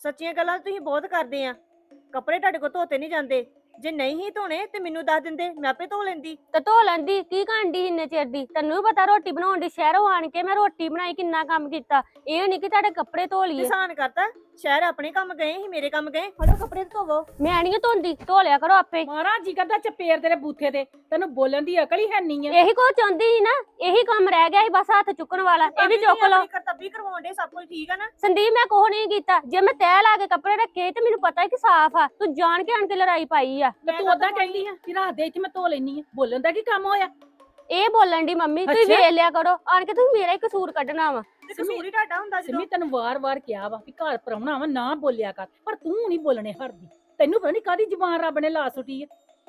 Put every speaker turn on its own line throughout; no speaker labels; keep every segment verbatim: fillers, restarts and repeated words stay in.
ਸੱਚੀਆਂ ਗੱਲਾਂ ਤੁਸੀਂ ਬਹੁਤ ਕਰਦੇ ਆ। ਕੱਪੜੇ ਤੁਹਾਡੇ ਕੋਲ ਧੋਤੇ ਨਹੀਂ ਜਾਂਦੇ। ਜੇ ਨਹੀਂ ਹੀ ਧੋਣੇ ਤੇ ਮੈਨੂੰ ਦੱਸ ਦਿੰਦੇ, ਮੈਂ ਆਪੇ ਧੋ ਲੈਂਦੀ।
ਤੇ ਧੋ ਲੈਂਦੀ, ਕੀ ਕਾਂਡੀ ਇੰਨੇ ਚਿਰ ਦੀ? ਤੈਨੂੰ ਵੀ ਪਤਾ ਰੋਟੀ ਬਣਾਉਣ ਦੀ, ਸ਼ਹਿਰੋਂ ਆਣ ਕੇ ਮੈਂ ਰੋਟੀ ਬਣਾਈ, ਕਿੰਨਾ ਕੰਮ ਕੀਤਾ। ਇਹ ਨਹੀਂ ਕਿ ਤੁਹਾਡੇ ਕੱਪੜੇ ਧੋ ਲਈਏ।
ਕਿਸਾਨ ਕਰਤਾ ਸ਼ਹਿਰ ਆਪਣੇ ਕੰਮ ਗਏ ਸੀ, ਮੇਰੇ ਕੰਮ ਗਏ। ਫੜੋ ਕੱਪੜੇ ਧੋਵੋ।
ਮੈਂ ਨਹੀਂ ਧੋਂਦੀ, ਧੋ ਲਿਆ ਕਰੋ ਆਪੇ।
ਮਾਰਾ ਜੀ ਕਰਦਾ ਚਪੇੜ ਤੇਰੇ ਬੂਥੇ ਤੇ, ਤੈਨੂੰ ਬੋਲਣ ਦੀ ਅਕਲ ਹੀ ਹੈ ਨਹੀਂ ਆ।
ਇਹੀ ਕੋ ਚਾਹੁੰਦੀ ਸੀ ਨਾ, ਇਹੀ ਕੰਮ ਰਹਿ ਗਿਆ ਸੀ ਬਸ ਹੱਥ ਚੁੱਕਣ ਵਾਲਾ। ਇਹ ਵੀ ਚੁੱਕ ਲਓ।
ਕਰਤੱਬੀ ਕਰਵਾਉਣ ਦੇ, ਸਭ ਕੁਝ ਠੀਕ ਆ ਨਾ।
ਸੰਦੀਪ ਮੈਂ ਕੁਛ ਨਹੀਂ ਕੀਤਾ। ਜੇ ਮੈਂ ਤੈਅ ਲਾ ਕੇ ਕੱਪੜੇ ਰੱਖੇ ਤੇ ਮੈਨੂੰ ਪਤਾ ਹੈ ਕਿ ਸਾਫ਼ ਆ। ਤੂੰ ਜਾਣ ਕੇ ਆਣ ਕੇ ਲੜਾਈ ਪਾਈ ਆ।
ਤੇ ਤੂੰ ਓਦਾਂ ਕਹਿੰਦੀ ਆ ਕਿ ਰਾਤ ਦੇ ਇੱਥੇ ਮੈਂ ਧੋ ਲੈਣੀ ਆ। ਬੋਲਣ ਦਾ ਕੀ ਕੰਮ ਹੋਇਆ?
ਇਹ ਬੋਲਣ ਦੀ ਮੰਮੀ, ਤੁਸੀਂ ਵੇਖ ਲਿਆ ਕਰੋ ਆਣ ਕੇ। ਤੁਸੀਂ ਮੇਰਾ ਹੀ ਕਸੂਰ ਕੱਢਣਾ ਵਾ।
ਕਸੂਰ ਹੀ ਤੁਹਾਡਾ ਹੁੰਦਾ।
ਸਿੰਮੀ ਤੈਨੂੰ ਵਾਰ-ਵਾਰ ਕਿਹਾ ਵਾ ਕਿ ਘਰ ਪਰਾਉਣਾ ਵਾ, ਨਾ ਬੋਲਿਆ ਕਰ, ਪਰ ਤੂੰ ਨਹੀਂ ਬੋਲਣੇ ਹਟਦੀ। ਤੈਨੂੰ ਪਤਾ ਨਹੀਂ ਕਾਹਦੀ ਜ਼ੁਬਾਨ ਰੱਬ ਨੇ ਲਾ ਸੁੱਟੀ ਆ।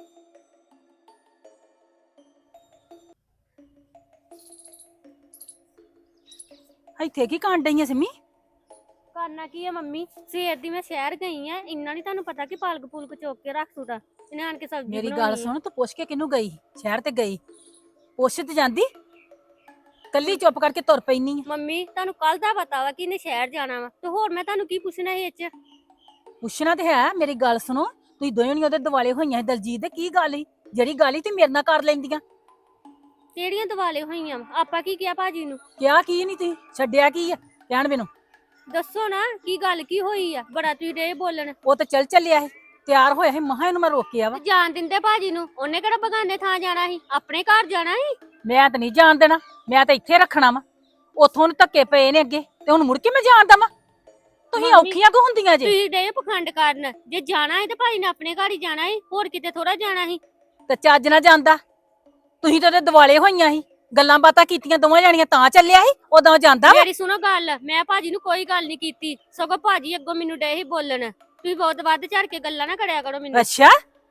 ਇੱਥੇ ਕੀ ਕਾਂਡ ਡਈ ਆ ਸਿੰਮੀ?
ਕਰਨਾ ਕੀ ਆ ਮੰਮੀ, ਸਵੇਰ ਦੀ ਮੈਂ ਸ਼ਹਿਰ ਗਈ ਆ। ਇੰਨਾ ਨਹੀਂ ਤੁਹਾਨੂੰ ਪਤਾ ਕਿ ਪਾਲਕ ਪੂਲਕ ਚੁੱਕ ਕੇ ਰੱਖ ਸੁਟਾ। ਇਹਨੇ ਆਣ ਕੇ ਸਬਜ਼ੀ
ਮੇਰੀ
ਬਣਾਉਣੀ
ਗੱਲ ਸੁਣ, ਤੂੰ ਪੁੱਛ ਕੇ ਕਿਹਨੂੰ ਗਈ? ਸ਼ਹਿਰ ਤੇ ਗਈ, ਪੁੱਛ ਤੇ ਜਾਂਦੀ। ਕੱਲੀ ਚੁੱਪ ਕਰਕੇ ਤੁਰ ਪੈਣੀ ਆ।
ਮੰਮੀ ਤੁਹਾਨੂੰ ਕੱਲ ਦਾ ਪਤਾ ਵਾ ਕਿ ਇਹਨੇ ਸ਼ਹਿਰ ਜਾਣਾ ਵਾ, ਤੇ ਹੋਰ ਮੈਂ ਤੁਹਾਨੂੰ ਕੀ ਪੁੱਛਣਾ ਸੀ ਇਹ ਚ?
ਪੁੱਛਣਾ ਤੇ ਹੈ। ਮੇਰੀ ਗੱਲ ਸੁਣੋ, ਤੁਸੀਂ ਦੋਵੇਂ ਨਹੀਂ ਉਹਦੇ ਦਿਵਾਲੇ ਹੋਈਆਂ ਸੀ ਦਲਜੀਤ ਦੇ। ਕੀ ਗੱਲ ਸੀ? ਜਿਹੜੀ ਗੱਲ ਸੀ ਤੇ ਮੇਰੇ ਨਾਲ ਕਰ ਲੈਂਦੀਆਂ।
ਕਿਹੜੀਆਂ ਦਿਵਾਲੇ ਹੋਈਆਂ? ਆਪਾਂ ਕੀ ਕਿਹਾ ਭਾਜੀ ਨੂੰ?
ਕਿਹਾ ਕੀ ਨਹੀਂ, ਤੁਸੀਂ ਛੱਡਿਆ ਕੀ ਆ ਕਹਿਣ ਮੈਨੂੰ?
ਦੱਸੋ ਨਾ ਕੀ ਗੱਲ ਕੀ ਹੋਈ ਆ? ਬੜਾ ਤੁਸੀਂ ਡੇ ਬੋਲਣ।
ਉਹ ਤੇ ਚੱਲ ਚੱਲਿਆ ਸੀ, ਤਿਆਰ ਹੋਇਆ ਸੀ, ਮਹਾ ਇਹਨੂੰ ਮੈਂ ਰੋਕਿਆ ਵਾ।
ਜਾਣ ਦਿੰਦੇ ਭਾਜੀ ਨੂੰ? ਉਹਨੇ ਕਿਹੜਾ ਬਗਾਨੇ ਥਾਂ ਜਾਣਾ ਸੀ, ਆਪਣੇ ਘਰ ਜਾਣਾ ਸੀ।
ਮੈਂ ਤਾਂ ਨਹੀਂ ਜਾਣ ਦੇਣਾ, ਮੈਂ ਤਾਂ ਇੱਥੇ ਰੱਖਣਾ ਵਾ। ਉੱਥੋਂ ਨੂੰ ਧੱਕੇ ਪਏ ਨੇ ਅੱਗੇ, ਤੇ ਹੁਣ ਮੁੜ ਕੇ ਮੈਂ ਜਾਣ ਦਵਾਂ? ਤੁਸੀਂ ਔਖੀਆਂ ਕਿਉਂ ਹੁੰਦੀਆਂ ਜੇ?
ਤੁਸੀਂ ਡੇ ਪਖੰਡ ਕਰਨ। ਜੇ ਜਾਣਾ ਹੈ ਤੇ ਭਾਜੀ ਨੇ ਆਪਣੇ ਘਰ ਹੀ ਜਾਣਾ ਸੀ, ਹੋਰ ਕਿਤੇ ਥੋੜਾ ਜਾਣਾ ਸੀ।
ਤੇ ਚੱਜ ਨਾ ਜਾਂਦਾ। ਤੁਸੀਂ ਤਾਂ ਉਹਦੇ ਦਿਵਾਲੇ ਹੋਈਆਂ ਸੀ, ਗੱਲਾਂ ਬਾਤਾਂ ਕੀਤੀਆਂ ਦੋਵਾਂ ਜਾਣੀਆਂ, ਤਾਂ ਚੱਲਿਆ ਸੀ। ਉਦੋਂ ਜਾਂਦਾ ਵਾ।
ਮੇਰੀ ਸੁਣੋ ਗੱਲ, ਮੈਂ ਭਾਜੀ ਨੂੰ ਕੋਈ ਗੱਲ ਨਹੀਂ ਕੀਤੀ, ਸਗੋਂ ਭਾਜੀ ਅੱਗੋਂ ਮੈਨੂੰ ਡੇ ਹੀ ਬੋਲਣ। ਤੁਸੀਂ ਬਹੁਤ ਵੱਧ ਝੜ ਕੇ ਗੱਲਾਂ ਨਾ ਕਰਿਆ ਕਰੋ ਮੈਨੂੰ।
ਅੱਛਾ,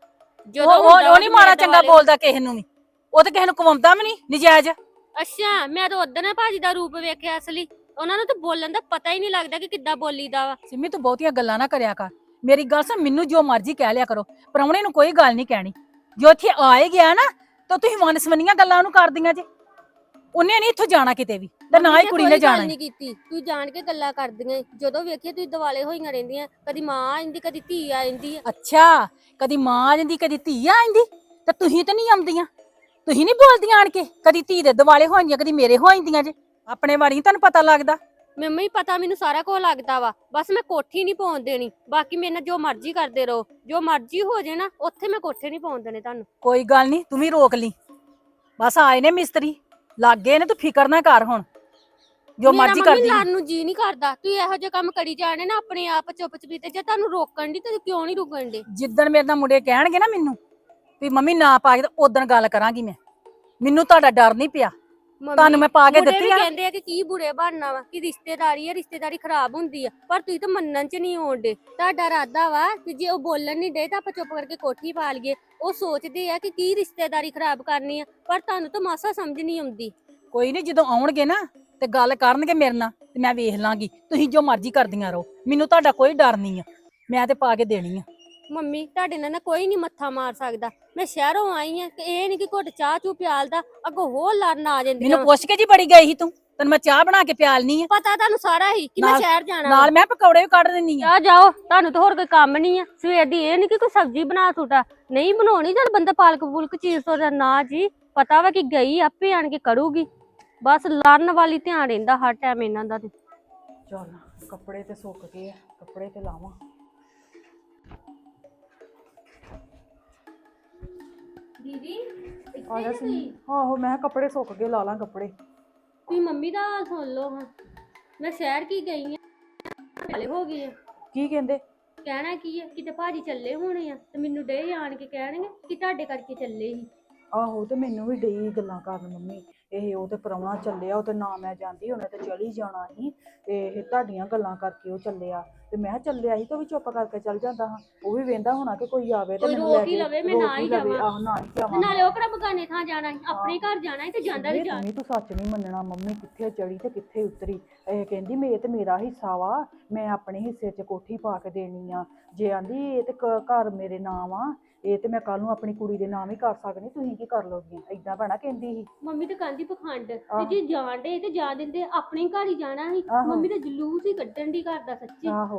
ਜਦੋਂ
ਉਹ ਉਹ ਨਹੀਂ ਮਾੜਾ ਚੰਗਾ ਬੋਲਦਾ ਕਿਸੇ ਨੂੰ ਵੀ। ਉਹ ਤੇ ਕਿਸੇ ਨੂੰ ਕਵਾਉਂਦਾ ਵੀ ਨਹੀਂ ਨਜਾਇਜ਼।
ਅੱਛਾ, ਮੈਂ ਤਾਂ ਉਦੋਂ ਨਾ ਭਾਜੀ ਦਾ ਰੂਪ ਵੇਖਿਆ ਅਸਲੀ। ਉਹਨਾਂ ਨੂੰ ਤਾਂ ਬੋਲਣ ਦਾ ਪਤਾ ਹੀ ਨਹੀਂ ਲੱਗਦਾ ਕਿ ਕਿੱਦਾਂ ਬੋਲੀਦਾ ਵਾ।
ਸਿੰਮੀ ਤੂੰ ਬਹੁਤੀਆਂ ਗੱਲਾਂ ਨਾ ਕਰਿਆ ਕਰ। ਮੇਰੀ ਗੱਲ ਸੁਣ, ਮੈਨੂੰ ਜੋ ਮਰਜ਼ੀ ਕਹਿ ਲਿਆ ਕਰੋ, ਪ੍ਰਾਹੁਣੇ ਨੂੰ ਕੋਈ ਗੱਲ ਨਹੀਂ ਕਹਿਣੀ। ਜੋ ਇੱਥੇ ਆ ਹੀ ਗਿਆ ਨਾ, ਤਾਂ ਤੁਸੀਂ ਵਨਸਵਨੀਆਂ ਗੱਲਾਂ ਉਹਨੂੰ ਕਰਦੀਆਂ ਜੇ। ਉਹਨੇ ਨਹੀਂ ਇੱਥੋਂ ਜਾਣਾ ਕਿਤੇ ਵੀ, ਤੇ ਨਾ ਹੀ ਕੁੜੀ ਨੇ ਜਾਣਾ।
ਨਹੀਂ ਕੀਤੀ, ਤੂੰ ਜਾਣ ਕੇ ਗੱਲਾਂ ਕਰਦੀਆਂ। ਜਦੋਂ ਵੇਖੀਏ ਤੁਸੀਂ ਦਿਵਾਲੇ ਹੋਈਆਂ ਰਹਿੰਦੀਆਂ, ਕਦੀ ਮਾਂ ਆ ਜਾਂਦੀ, ਕਦੀ ਧੀ ਆ ਜਾਂਦੀ।
ਅੱਛਾ, ਕਦੀ ਮਾਂ ਆ ਜਾਂਦੀ, ਕਦੀ ਧੀ ਆ ਜਾਂਦੀ, ਤੇ ਤੁਸੀਂ ਤੇ ਨਹੀਂ ਆਉਂਦੀਆਂ। ਤੁਸੀਂ ਨਹੀਂ ਬੋਲਦੀਆਂ ਆਣ ਕੇ, ਕਦੀ ਧੀ ਦੇ ਦਿਵਾਲੇ ਹੋ ਜਾਂਦੀਆਂ, ਕਦੀ ਮੇਰੇ ਹੋ ਜਾਂਦੀਆਂ ਜੇ। ਆਪਣੇ ਬਾਰੇ ਨੀ ਤੁਹਾਨੂੰ ਪਤਾ ਲੱਗਦਾ।
ਮੈਨੂੰ ਹੀ ਪਤਾ, ਮੈਨੂੰ ਸਾਰਾ ਕੁਝ ਲੱਗਦਾ ਵਾ। ਬਸ ਮੈਂ ਕੋਠੀ ਨਹੀਂ ਪਾਉਣ ਦੇਣੀ। ਬਾਕੀ ਮੇਰੇ ਨਾਲ ਜੋ ਮਰਜ਼ੀ ਕਰਦੇ ਰਹੋ, ਜੋ ਮਰਜ਼ੀ ਹੋ ਜੇ ਨਾ, ਉੱਥੇ ਮੈਂ ਕੋਠੇ ਨਹੀਂ ਪਾਉਣ ਦੇਣੇ ਤੁਹਾਨੂੰ।
ਕੋਈ ਗੱਲ ਨਹੀਂ, ਤੂੰ ਵੀ ਰੋਕ ਲਈ। ਬਸ ਆਏ ਨੇ ਮਿਸਤਰੀ, ਲੱਗ ਗਏ ਨੇ, ਤੂੰ ਫਿਕਰ ਨਾ ਕਰ ਹੁਣ। ਜੋ ਮਰਜ਼ੀ ਕਰਦੀ।
ਮੇਰਾ ਮੰਮੀ ਨੂੰ ਜੀ ਨਹੀਂ ਕਰਦਾ ਤੂੰ ਇਹੋ ਜਿਹੇ ਕੰਮ ਕਰੀ ਜਾਣੇ ਨਾ ਆਪਣੇ ਆਪ ਚੁੱਪ ਚਪੀਤੇ। ਜੇ ਤੁਹਾਨੂੰ ਰੋਕਣ ਦੀ ਤੇ ਕਿਉਂ ਨਹੀਂ ਰੁਕਣ ਦੇ?
ਜਿੱਦਣ ਮੇਰੇ ਨਾਲ ਮੁੰਡੇ ਕਹਿਣਗੇ ਨਾ ਮੈਨੂੰ ਵੀ ਮੰਮੀ ਨਾ ਪਾ ਕੇ, ਉਦੋਂ ਗੱਲ ਕਰਾਂਗੀ ਮੈਂ। ਮੈਨੂੰ ਤੁਹਾਡਾ ਡਰ ਨਹੀਂ ਪਿਆ, ਤੁਹਾਨੂੰ ਮੈਂ ਪਾ ਕੇ ਦਿੱਤੀ ਆ।
ਕਹਿੰਦੇ ਆ ਕਿ ਕੀ ਬੁਰੇ ਬਣਨਾ ਵਾ, ਕਿ ਰਿਸ਼ਤੇਦਾਰੀ ਆ, ਰਿਸ਼ਤੇਦਾਰੀ ਖਰਾਬ ਹੁੰਦੀ ਆ, ਪਰ ਤੁਸੀਂ ਤਾਂ ਮੰਨਣ ਚ ਨਹੀਂ ਆਉਂਦੇ। ਤੁਹਾਡਾ ਇਰਾਦਾ ਵਾ ਕਿ ਜੇ ਉਹ ਬੋਲਣ ਨਹੀਂ ਦੇ ਤਾਂ ਆਪਾਂ ਚੁੱਪ ਕਰਕੇ ਕੋਠੀ ਪਾ ਲਈਏ। ਉਹ ਸੋਚਦੇ ਆ ਕਿ ਕੀ ਰਿਸ਼ਤੇਦਾਰੀ ਖਰਾਬ ਕਰਨੀ ਆ, ਪਰ ਤੁਹਾਨੂੰ ਤਾਂ ਮਾਸਾ ਸਮਝ ਨਹੀਂ ਆਉਂਦੀ।
ਕੋਈ ਨਹੀਂ, ਜਦੋਂ ਆਉਣਗੇ ਨਾ ਤੇ ਗੱਲ ਕਰਨਗੇ ਮੇਰੇ ਨਾਲ, ਤੇ ਮੈਂ ਵੇਖ ਲਾਂਗੀ। ਤੁਸੀਂ ਜੋ ਮਰਜ਼ੀ ਕਰਦੀਆਂ ਰਹੋ, ਮੈਨੂੰ ਤੁਹਾਡਾ ਕੋਈ ਡਰ ਨਹੀਂ ਆ। ਮੈਂ ਤੇ ਪਾ ਕੇ ਦੇਣੀ ਆ।
ਮੰਮੀ ਤੁਹਾਡੇ ਨਾਲ ਨਾ ਕੋਈ ਨਹੀਂ ਮੱਥਾ ਮਾਰ ਸਕਦਾ। ਮੈਂ ਸ਼ਹਿਰੋਂ ਆਈ ਆ ਕਿ ਇਹ ਨਹੀਂ ਕਿ ਘੁੱਟ ਚਾਹ ਚੂ ਪਿਆਲਦਾ, ਅੱਗੋਂ ਹੋਰ ਲੜਨ ਆ ਜਾਂਦੀ।
ਮੈਨੂੰ ਪੁੱਛ ਕੇ ਜੀ ਬੜੀ ਗਈ ਸੀ ਤੂੰ, ਤੈਨੂੰ ਮੈਂ ਚਾਹ ਬਣਾ ਕੇ ਪਿਆਲਨੀ ਆ।
ਪਤਾ ਤੁਹਾਨੂੰ ਸਾਰਾ ਹੀ ਕਿ ਮੈਂ ਸ਼ਹਿਰ ਜਾਣਾ।
ਨਾਲ ਮੈਂ ਪਕੌੜੇ ਵੀ ਕੱਢ ਦਿੰਨੀ ਆ।
ਆ ਜਾਓ, ਤੁਹਾਨੂੰ ਤਾਂ ਹੋਰ ਕੋਈ ਕੰਮ ਨਹੀਂ ਆ ਸਵੇਰ ਦੀ। ਇਹ ਨਹੀਂ ਕਿ ਕੋਈ ਸਬਜ਼ੀ ਬਣਾ ਸੁਟਾ, ਨਹੀਂ ਬਣਾਉਣੀ। ਜਦ ਬੰਦਾ ਪਾਲਕ ਪੂਲਕ ਚੀਜ਼ ਤੋਂ ਨਾ ਜੀ, ਪਤਾ ਵਾ ਕਿ ਗਈ ਆਪੇ ਆਣ ਕੇ ਕਰੂਗੀ। ਬਸ ਲੜਨ ਵਾਲੀ ਧਿਆਨ ਰਹਿੰਦਾ ਹਰ ਟਾਈਮ ਇਹਨਾਂ ਦਾ। ਤੇ
ਚੱਲ ਕੱਪੜੇ ਤੇ ਸੁੱਕ ਗਏ ਆ, ਕੱਪੜੇ ਤੇ ਲਾਵਾਂ।
ਦੀਦੀ
ਆ ਜਾ ਸੀ। ਆਹੋ, ਮੈਂ ਕੱਪੜੇ ਸੁੱਕ ਗਏ, ਲਾ ਲਾਂ ਕੱਪੜੇ।
ਤੁਸੀਂ ਮੰਮੀ ਦਾ ਹਾਲ ਸੁਣ ਲਓ ਹਾਂ। ਮੈਂ ਸ਼ਹਿਰ ਕੀ ਗਈ ਆ, ਹਲੇ ਹੋ ਗਈ ਆ।
ਕੀ ਕਹਿੰਦੇ?
ਕਹਿਣਾ ਕੀ ਆ, ਕਿਤੇ ਭਾਜੀ ਚੱਲੇ ਹੋਣੇ ਆ ਤੇ ਮੈਨੂੰ ਡੇ ਆਣ ਕੇ ਕਹਿਣਗੇ ਕਿ ਤੁਹਾਡੇ ਕਰਕੇ ਚੱਲੇ ਸੀ।
ਆਹੋ, ਤੇ ਮੈਨੂੰ ਵੀ ਡਈ ਗੱਲਾਂ ਕਰਨ ਮੰਮੀ। ਇਹ ਉਹ ਤੇ ਪ੍ਰਾਹੁਣਾ ਚੱਲਿਆ, ਉਹ ਤੇ ਨਾ ਮੈਂ ਜਾਂਦੀ, ਉਹਨੇ ਤੇ ਚਲੀ ਜਾਣਾ ਸੀ, ਤੇ ਇਹ ਤੁਹਾਡੀਆਂ ਗੱਲਾਂ ਕਰਕੇ ਉਹ ਚੱਲਿਆ। ਤੇ ਮੈਂ ਚੱਲਿਆ ਸੀ ਤੇ ਉਹ ਵੀ ਚੁੱਪ ਕਰਕੇ ਚੱਲ ਜਾਂਦਾ ਹਾਂ। ਉਹ ਵੀ ਵੇਂਦਾ ਹੋਣਾ ਕਿ ਕੋਈ ਆਵੇ ਤੇ ਮੈਨੂੰ ਲੈ ਕੇ
ਲਵੇ, ਮੈਂ ਨਾ ਹੀ ਜਾਵਾਂ।
ਆਹੋ, ਨਾ ਹੀ ਜਾਵਾਂ।
ਨਾਲੇ ਉਹ ਕਿਹੜਾ ਬਗਾਨੇ ਥਾਂ ਜਾਣਾ ਸੀ, ਆਪਣੇ ਘਰ ਜਾਣਾ ਸੀ ਤੇ ਜਾਂਦਾ ਵੀ ਜਾ।
ਤੂੰ ਸੱਚ ਨਹੀਂ ਮੰਨਣਾ, ਮੰਮੀ ਕਿੱਥੇ ਚੜੀ ਤੇ ਕਿੱਥੇ ਉਤਰੀ। ਇਹ ਕਹਿੰਦੀ ਮੈਂ ਤੇ ਮੇਰਾ ਹਿੱਸਾ ਵਾ, ਮੈਂ ਆਪਣੇ ਹਿੱਸੇ 'ਚ ਕੋਠੀ ਪਾ ਕੇ ਦੇਣੀ ਆ। ਜੇ ਆਂਦੀ ਇਹ ਤੇ ਘਰ ਮੇਰੇ ਨਾਮ ਆ, ਇਹ ਤੇ ਮੈਂ ਕੱਲ ਨੂੰ ਆਪਣੀ ਕੁੜੀ ਦੇ ਨਾਮ ਹੀ ਕਰ ਸਕਦੀ, ਤੁਸੀਂ ਕੀ ਕਰ ਲੋਗੀਆਂ? ਏਦਾਂ ਭੈਣਾ ਕਹਿੰਦੀ ਸੀ
ਮੰਮੀ ਤੇ ਕਹਿੰਦੀ ਪਖੰਡ। ਤੇ ਜੇ ਜਾਣ ਦੇ ਤੇ ਜਾ ਦਿੰਦੇ, ਆਪਣੇ ਘਰ ਹੀ ਜਾਣਾ ਸੀ। ਮੰਮੀ ਤੇ ਜਲੂਸ ਹੀ ਕੱਢਣ ਦੀ ਘਰ ਦਾ ਸੱਚੀ।
ਆਹੋ,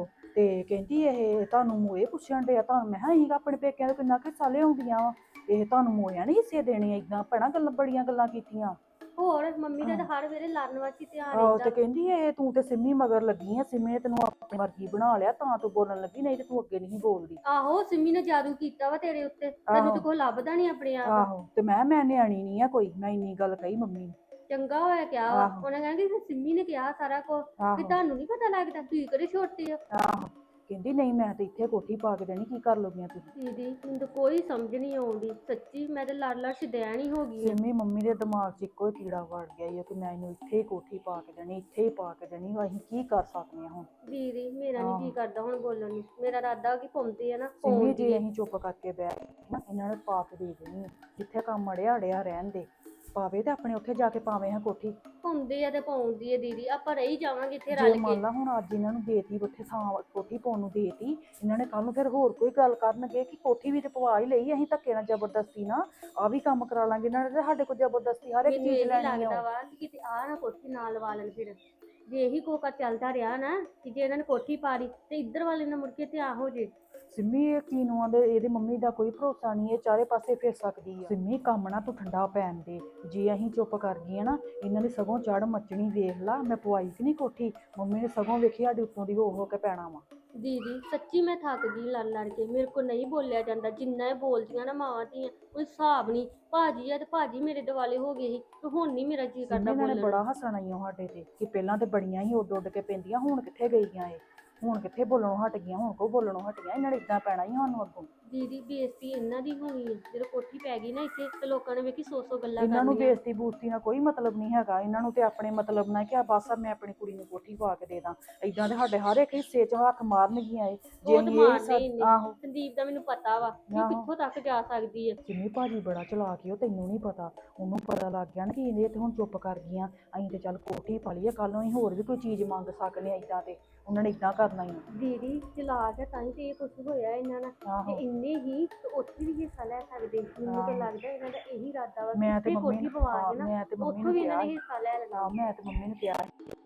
ਆਹੋ ਤੇ ਕਹਿੰਦੀ ਇਹ ਤੁਹਾਨੂੰ ਮੋਏ ਪੁੱਛਣ ਡਿਆ ਤੁਹਾਨੂੰ। ਮੈਂ ਕਿਹਾ ਅਸੀਂ ਆਪਣੇ ਪੇਕਿਆਂ ਤੋਂ ਕਿੰਨਾ ਕੁ ਹਿੱਸਾ ਲਿਆਉਂਦੀਆਂ ਵਾ, ਇਹ ਤੁਹਾਨੂੰ ਮੋਇਆ ਨਹੀਂ ਹਿੱਸੇ ਦੇਣੇ ਏਦਾਂ ਭੈਣਾ ਗੱਲਾਂ ਬੜੀਆਂ ਗੱਲਾਂ ਕੀਤੀਆਂ।
ਹੋਰ ਮੰਮੀ ਦਾ ਤਾਂ ਹਰ ਵੇਲੇ ਲੜਨ ਵਾਸਤੇ ਧਿਆਨ
ਆਹੋ
ਰਹਿੰਦਾ
ਤੇ ਕਹਿੰਦੀ ਇਹ ਤੂੰ ਤੇ ਸਿੰਮੀ ਮਗਰ ਲੱਗੀ ਆ, ਸਿੰਮੀ ਨੇ ਤੈਨੂੰ ਆਪਣੀ ਮਰਜ਼ੀ ਬਣਾ ਲਿਆ ਤਾਂ ਤੂੰ ਬੋਲਣ ਲੱਗੀ, ਨਹੀਂ ਤੇ ਤੂੰ ਅੱਗੇ ਨਹੀਂ ਬੋਲਦੀ।
ਆਹੋ ਸਿੰਮੀ ਨੇ ਜਾਦੂ ਕੀਤਾ ਵਾ ਤੇਰੇ ਉੱਤੇ, ਤੈਨੂੰ
ਆਹੋ
ਤਾਂ ਕੋਈ ਲੱਭਦਾ ਨਹੀਂ ਆਪਣੇ ਆਪ।
ਆਹੋ ਤੇ ਮੈਂ ਕਿਹਾ ਮੈਂ ਨਿਆਣੀ ਨਹੀਂ ਆ ਕੋਈ, ਮੈਂ ਇੰਨੀ ਗੱਲ ਕਹੀ ਮੰਮੀ ਨੂੰ।
ਚੰਗਾ ਹੋਇਆ ਕਿਹਾ ਵਾ,
ਆਹੋ।
ਉਹਨੇ ਕਹਿੰਦੀ ਸਿੰਮੀ ਨੇ ਕਿਹਾ ਸਾਰਾ ਕੁਝ ਵੀ
ਆਹੋ
ਤੁਹਾਨੂੰ ਨਹੀਂ ਪਤਾ ਲੱਗਦਾ, ਤੁਸੀਂ ਕਿਹੜੇ ਛੋਟੇ ਹੋ।
ਆਹੋ ਕਹਿੰਦੀ ਨਹੀਂ ਮੈਂ ਤੇ ਇੱਥੇ ਕੋਠੀ ਪਾ ਕੇ ਦੇਣੀ, ਕੀ ਕਰ ਲੋਗੀਆਂ ਤੁਸੀਂ।
ਦੀਦੀ ਮੈਨੂੰ ਤਾਂ ਕੋਈ ਸਮਝ ਨਹੀਂ ਆਉਂਦੀ ਸੱਚੀ, ਮੈਂ ਤਾਂ ਲੜ ਲੜ ਸ਼ਦੈਣ ਹੀ ਹੋ ਗਈ ਆ।
ਸਿੰਮੀ ਮੰਮੀ ਦੇ ਦਿਮਾਗ 'ਚ ਇੱਕੋ ਹੀ ਕੀੜਾ ਵੜ ਗਿਆ ਈ ਆ ਕਿ ਮੈਂ ਇਹਨੂੰ ਇੱਥੇ ਹੀ ਕੋਠੀ ਪਾ ਕੇ ਦੇਣੀ, ਇੱਥੇ ਹੀ ਪਾ ਕੇ ਦੇਣੀ, ਅਸੀਂ ਕੀ ਕਰ ਸਕਦੇ ਹਾਂ ਹੁਣ।
ਦੀਦੀ ਮੇਰਾ ਨਹੀਂ
ਆਹੋ।
ਜੀ ਕਰਦਾ ਹੁਣ ਬੋਲਣ ਨੂੰ, ਮੇਰਾ ਇਰਾਦਾ ਕਿ ਪਾਉਂਦੇ ਆ ਨਾ
ਸਿੰਮੀ
ਪਾਉਂਦੀ
ਜੀ
ਆ।
ਅਸੀਂ ਚੁੱਪ ਕਰਕੇ ਬਹਿ ਗਏ ਨਾ, ਇਹਨਾਂ ਨੇ ਪਾ ਕੇ ਦੇ ਦੇਣੀ ਆ। ਜਿੱਥੇ ਕੰਮ ਅੜਿਆ ਅੜਿਆ ਰਹਿਣ ਦੇ, ਪਾਵੇ ਤੇ ਆਪਣੇ ਉੱਥੇ ਜਾ ਕੇ ਪਾਵੇ ਹਾਂ ਕੋਠੀ।
ਪਾਉਂਦੇ ਆ ਤੇ ਪਾਉਂਦੀ ਆ ਦੀਦੀ, ਆਪਾਂ ਰਹੀ ਜਾਵਾਂਗੇ ਇੱਥੇ
ਜੇ
ਰਲ
ਮੰਨ
ਕੇ।
ਲਾ ਹੁਣ ਅੱਜ ਇਹਨਾਂ ਨੂੰ ਦੇਤੀ ਉੱਥੇ ਥਾਂ ਕੋਠੀ ਪਾਉਣ ਨੂੰ ਦੇਤੀ, ਇਹਨਾਂ ਨੇ ਕੱਲ ਨੂੰ ਫਿਰ ਹੋਰ ਕੋਈ ਗੱਲ ਕਰਨਗੇ ਕਿ ਕੋਠੀ ਵੀ ਤੇ ਪਵਾ ਹੀ ਲਈ, ਅਸੀਂ ਧੱਕੇ ਨਾਲ ਜ਼ਬਰਦਸਤੀ ਨਾ ਆ ਵੀ ਕੰਮ ਕਰਾ ਲਾਂਗੇ ਇਹਨਾਂ ਨੇ ਤੇ ਸਾਡੇ ਕੋਲ ਜ਼ਬਰਦਸਤੀ ਹਰ ਇੱਕ
ਮੈਨੂੰ
ਚੀਜ਼
ਇਹ ਵੀ
ਲੈਣੀ
ਲੱਗਦਾ
ਆ।
ਵਾ ਕਿ ਕਿਤੇ ਆ ਨਾ ਕੋਠੀ ਨਾਲ ਲਵਾ ਲੈਣ ਫਿਰ, ਜੇ ਇਹੀ ਕੋਕਾ ਚੱਲਦਾ ਰਿਹਾ ਨਾ ਕਿ ਜੇ ਇਹਨਾਂ ਨੇ ਕੋਠੀ ਪਾ ਲਈ ਤੇ ਇੱਧਰ ਵਾਲੇ ਨਾਲ ਮੁੜ ਕੇ ਧਿਆਨ ਹੋ ਜੇ।
ਸਿੰਮੀ ਇਹ ਕੀਨੂਆਂ ਦੇ ਇਹਦੇ ਮੰਮੀ ਦਾ ਕੋਈ ਭਰੋਸਾ ਨਹੀਂ, ਇਹ ਚਾਰੇ ਪਾਸੇ ਫਿਰ ਸਕਦੀ ਆ। ਸਿੰਮੀ ਕੰਮ ਨਾ ਤੂੰ ਠੰਡਾ ਪੈਣ ਦੇ, ਜੇ ਅਸੀਂ ਚੁੱਪ ਕਰ ਗਈਆਂ ਨਾ ਇਹਨਾਂ ਦੀ ਸਗੋਂ ਚੜ ਮੱਚਣੀ। ਵੇਖ ਲਾ ਮੈਂ ਪਵਾਈ ਸੀ ਨਹੀਂ ਕੋਠੀ, ਮੰਮੀ ਨੇ ਸਗੋਂ ਵੇਖੀ ਸਾਡੇ ਉੱਤੋਂ ਦੀ ਹੋ ਹੋ ਕੇ ਪੈਣਾ ਵਾ।
ਦੀਦੀ ਸੱਚੀ ਮੈਂ ਥੱਕ ਗਈ ਲੜ ਲੜ ਕੇ, ਮੇਰੇ ਕੋਲ ਨਹੀਂ ਬੋਲਿਆ ਜਾਂਦਾ, ਜਿੰਨਾ ਇਹ ਬੋਲਦੀਆਂ ਨਾ ਮਾਵਾਂ ਧੀਆਂ ਕੋਈ ਹਿਸਾਬ ਨਹੀਂ। ਭਾਜੀ ਆ ਤੇ ਭਾਜੀ ਮੇਰੇ ਦਿਵਾਲੇ ਹੋ ਗਏ ਸੀ ਤੇ ਹੁਣ ਨਹੀਂ ਮੇਰਾ ਜੀ ਕਰਦਾ
ਸਿੰਮੀ ਇਹਨਾਂ ਨੇ
ਬੋਲਣ
ਬੜਾ ਹੱਸਣਾ ਈ ਓ ਸਾਡੇ ਤੇ ਕਿ ਪਹਿਲਾਂ ਤੇ ਬੜੀਆਂ ਹੀ ਉੱਡ ਉੱਡ ਕੇ ਪੈਂਦੀਆਂ, ਹੁਣ ਕਿੱਥੇ ਗਈਆਂ ਇਹ, ਹੁਣ ਕਿੱਥੇ ਬੋਲਣੋਂ ਹਟ ਗਈਆਂ, ਹੁਣ ਕੋ ਬੋਲਣੋਂ ਹਟ ਗਈਆਂ, ਇਹਨਾਂ ਨੇ ਇਦਾਂ ਪੈਣਾ ਹੀ ਸਾਨੂੰ ਅੱਗੋਂ।
ਦੀਦੀ ਬੇਇੱਜ਼ਤੀ ਇਹਨਾਂ ਦੀ ਹੋਣੀ ਹੈ, ਜਦੋਂ ਕੋਠੀ ਪੈ ਗਈ ਨਾ ਇੱਥੇ ਤੇ ਲੋਕਾਂ ਨੇ ਵੇਖੀ ਸੌ ਸੌ ਗੱਲਾਂ
ਇਹਨਾਂ ਨੂੰ
ਕਰਨੀਆਂ।
ਬੇਇੱਜ਼ਤੀ ਬੂਸਤੀ ਨਾਲ ਕੋਈ ਮਤਲਬ ਨਹੀਂ ਹੈਗਾ, ਇਹਨਾਂ ਨੂੰ ਤੇ ਆਪਣੇ ਮਤਲਬ ਨਾਲ ਕਿ ਆ ਬਸ ਆ ਮੈਂ ਆਪਣੀ ਕੁੜੀ ਨੂੰ ਕੋਠੀ ਪਾ ਕੇ ਦੇ ਦਾਂ। ਇਦਾਂ ਦੇ ਸਾਡੇ ਹਰ ਇੱਕ ਹਿੱਸੇ 'ਚ ਹੱਥ ਮਾਰਨਗੀਆਂ ਇਹ। ਜੇ
ਉਹ ਤਾਂ
ਅਸੀਂ ਇਹ
ਮਾਰਦੇ ਹੀ
ਹਿੱਸਾ-
ਨੇ।
ਆਹੋ
ਸੰਦੀਪ ਦਾ ਮੈਨੂੰ ਪਤਾ ਵਾ ਕਿ ਉਹ
ਆਹੋ।
ਕਿੱਥੋਂ ਤੱਕ ਜਾ ਸਕਦੀ ਹੈ।
ਸਿੰਮੀ ਭਾਜੀ ਬੜਾ ਚਲਾਕ ਈ, ਉਹ ਤੈਨੂੰ ਨਹੀਂ ਪਤਾ, ਉਹਨੂੰ ਪਤਾ ਲੱਗ ਗਿਆ ਨਾ ਕਿ ਇਹ ਤੇ ਹੁਣ ਚੁੱਪ ਕਰ ਗਈਆਂ, ਅਸੀਂ ਤੇ ਚੱਲ ਕੋਠੀ ਪਾ ਲਈਏ, ਕੱਲ ਨੂੰ ਅਸੀਂ ਹੋਰ ਵੀ ਕੋਈ ਚੀਜ਼ ਮੰਗ ਸਕਦੇ ਆ। ਇਦਾਂ ਤੇ ਉਹਨਾਂ ਨੇ ਇਦਾਂ ਕਰਨਾ ਹੀ।
ਦੀਦੀ ਚਲਾਕ ਹੈ ਤਾਂ ਹੀ ਤੇ ਇਹ ਕੁਝ ਹੋਇਆ ਇਹਨਾਂ ਨਾਲ,
ਆਹੋ
ਤੇ ਇੰਨੇ ਹੀ ਤੇ ਉੱਥੇ ਵੀ ਹਿੱਸਾ ਲੈ ਸਕਦੇ। ਮੈਨੂੰ ਤਾਂ
ਆਹੋ।
ਲੱਗਦਾ ਇਹਨਾਂ ਦਾ ਇਹੀ ਇਰਾਦਾ ਵਾ
ਮੈਂ
ਕਿ
ਤੇ
ਇੱਥੇ
ਮੰਮੀ
ਕੋਠੀ
ਨੂੰ
ਪਵਾ
ਹਾਂ,
ਕੇ ਨਾ
ਮੈਂ ਤੇ ਮੰਮੀ
ਉੱਥੋਂ
ਨੂੰ
ਵੀ ਇਹਨਾਂ
ਕਿਹਾ
ਨੇ
ਸੀ।
ਹਿੱਸਾ ਲੈ ਲੈਣਾ।
ਹਾਂ ਮੈਂ ਤੇ ਮੰਮੀ ਨੂੰ ਕਿਹਾ